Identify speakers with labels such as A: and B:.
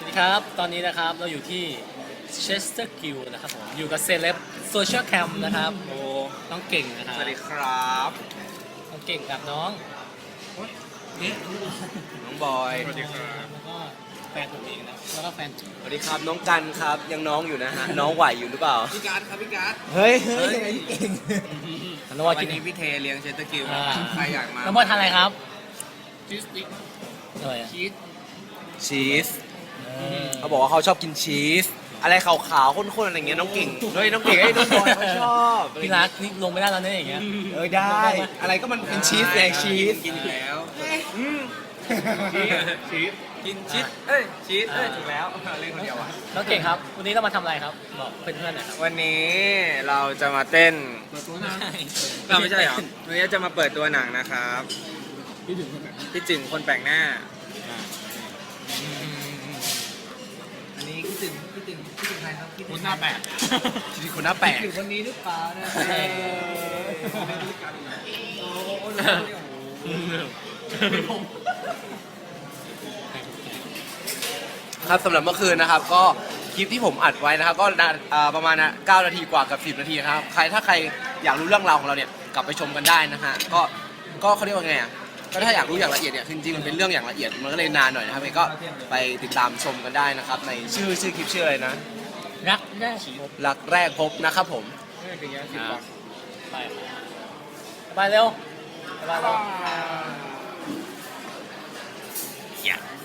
A: ดีครับตอนนี้นะครับเราอยู่ที่เชสเตอร์กิลนะครับผมอยู่กับเซเลบโซเชียลแคมนะครับโอ้น้องเก่งนะครับ
B: สวัสดีครับ
A: น้องเก่งกับน้องเนี่ย
B: น้องบอย
A: แล้วก็แฟนผมเองนะแล้วก็แฟนจุ๊บ
B: สวัสดีครับน้องกันครับ ยังน้องอยู่นะฮะ น้องไหวอยู่หรือเปล่า
C: พี่การ์ดครับพี่การ์ด
B: เฮ้ยยังไงพี่เก่ง
A: น้องบอย
C: วั
A: กิ
C: น
A: น
C: นี้พี่เทเลี้ยงเชสเตอร์กิล
A: อ่า
C: ใครอยากมา
A: น้องบอยทานอะไรครับ
C: ชีสติ๊ก
A: อะไรอะ
C: ชีส
B: ชีสเขาบอกว่าเขาชอบกินชีส อะไรขาวๆข้นๆอะไรเงี้ยน้องเก่งเฮ้ยน้องเก่งไอ้ยน้องบอยเขาชอบ
A: พี่รักนี่ลงไม่ได้แล้วเนี่ยอย่างเงี้ย
B: ได้ อะไรก็มันเป็นชีสไงชีส
C: กินอยู่แล้ว
B: ชีส
C: กินชีสเอ้ยชีสเอ้ยถูกแล้วเล่นคนเดียวอ่ะ
A: น้องเก่งครับวันนี้เรามาทำอะไรครับบอกเพื่อนๆหน่อยครับ
C: วันนี้เราจะมาเต้น เราไม่ใช่เหรอวันนี้จะมาเปิดตัวหนังนะครับพี่จึงคนแปลกหน้าอันนี้พี่จึงใครครับคนหน้าแปลก
B: ชีสคนหน้าแปลก
C: ถึงคนนี้หรือเปล่านะ
B: ครับสำหรับเมื่อคืนนะครับก็คลิปที่ผมอัดไว้นะครับก็ประมาณ9 นาทีกว่ากับ10 นาทีครับถ้าใครอยากรู้เรื่องราวของเราเนี่ยกลับไปชมกันได้นะฮะก็เขาเรียกว่าไงอ่ะก็ถ้าอยากรู้อย่างละเอียดเนี่ยคือจริงๆมันเป็นเรื่องอย่างละเอียดมันก็เลยนานหน่อยนะครับก็ไปติดตามชมกันได้นะครับในชื่อคลิปชื่ออะไรนะ
A: รักได้
B: รักแรกพบนะครับผม
A: ไปไปเร็วไปเร็ว